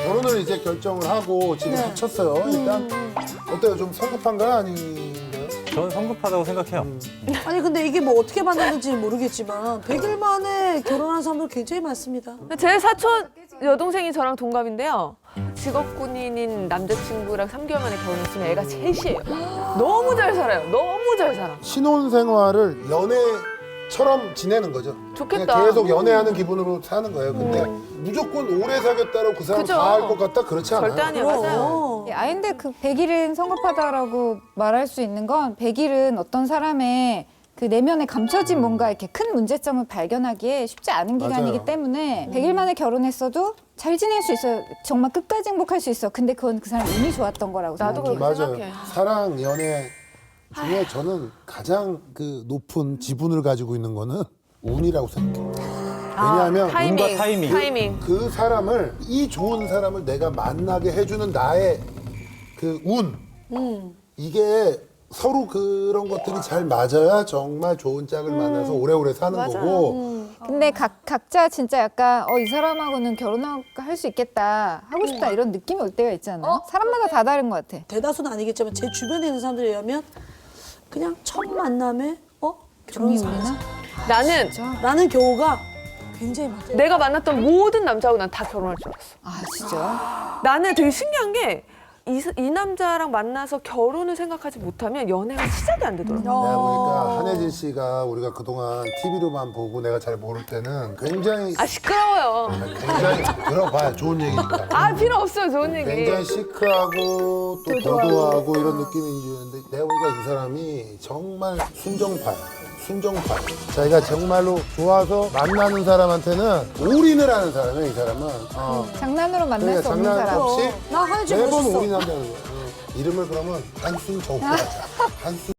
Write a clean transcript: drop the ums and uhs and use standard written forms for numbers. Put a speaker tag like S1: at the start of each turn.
S1: 결혼을 이제 결정을 하고 지금 합쳤어요. 일단 어때요? 좀 성급한가요? 아닌가요?
S2: 저는 성급하다고 생각해요.
S3: 아니 근데 이게 뭐 어떻게 만났는지 모르겠지만 100일 만에 결혼한 사람들 굉장히 많습니다.
S4: 제 사촌 여동생이 저랑 동갑인데요. 직업군인인 남자친구랑 3개월 만에 결혼했으면 애가 셋이에요. 너무 잘 살아요. 너무 잘 살아.
S1: 신혼생활을 연애처럼 지내는 거죠.
S4: 좋겠다.
S1: 그냥 계속 연애하는 기분으로 사는 거예요. 근데 무조건 오래 사귀었다고 그 사람
S4: 그죠.
S1: 다 할 것 같다? 그렇지 않아요.
S4: 절대 아니에요. 맞아요.
S5: 아닌데 그 100일은 성급하다라고 말할 수 있는 건 100일은 어떤 사람의 그 내면에 감춰진 뭔가 이렇게 큰 문제점을 발견하기에 쉽지 않은 기간이기
S1: 맞아요.
S5: 때문에 100일 만에 결혼했어도 잘 지낼 수 있어요. 정말 끝까지 행복할 수 있어. 근데 그건 그 사람 운이 좋았던 거라고
S4: 나도
S5: 생각해요.
S4: 그렇게
S1: 맞아요.
S4: 생각해.
S1: 사랑, 연애 중에 저는 가장 그 높은 지분을 가지고 있는 거는 운이라고 생각해요. 왜냐하면
S2: 운과 타이밍.
S4: 타이밍.
S1: 그 사람을, 이 좋은 사람을 내가 만나게 해주는 나의 그 운. 이게 서로 그런 것들이 잘 맞아야 정말 좋은 짝을 만나서 오래오래 사는 거고.
S5: 근데 각자 진짜 약간 이 사람하고는 결혼할 수 있겠다, 하고 싶다 이런 느낌이 올 때가 있지 않아요? 사람마다 다 다른 것 같아.
S3: 대다수는 아니겠지만 제 주변에 있는 사람들에 의하면 그냥 첫 만남에
S5: 종이
S3: 결혼
S5: 울리나?
S4: 나는
S3: 라는 경우가 굉장히 많아요.
S4: 내가 만났던 모든 남자하고 난 다 결혼할 줄 알았어.
S5: 아 진짜?
S4: 나는 되게 신기한 게 이 남자랑 만나서 결혼을 생각하지 못하면 연애가 시작이 안 되더라고.
S1: 내가 보니까 한혜진 씨가 우리가 그동안 TV로만 보고 내가 잘 모를 때는 굉장히
S4: 시끄러워요.
S1: 굉장히 들어봐야 좋은 얘기니까.
S4: 필요 없어요. 좋은 얘기.
S1: 굉장히 시크하고 또 도도하고 이런 느낌인 줄 알았는데 내가 보니까 이 사람이 정말 순정파야. 순정파. 자기가 정말로 좋아서 만나는 사람한테는 올인을 하는 사람이야, 이 사람은.
S5: 장난으로 만날
S1: 그러니까
S5: 수 없는
S1: 장난
S5: 사람.
S1: 없이
S3: 나 한혜진
S1: 매번
S3: 멋있어.
S1: 올인한다는 거야. 이름을 그러면 한순 정구 하자. 한순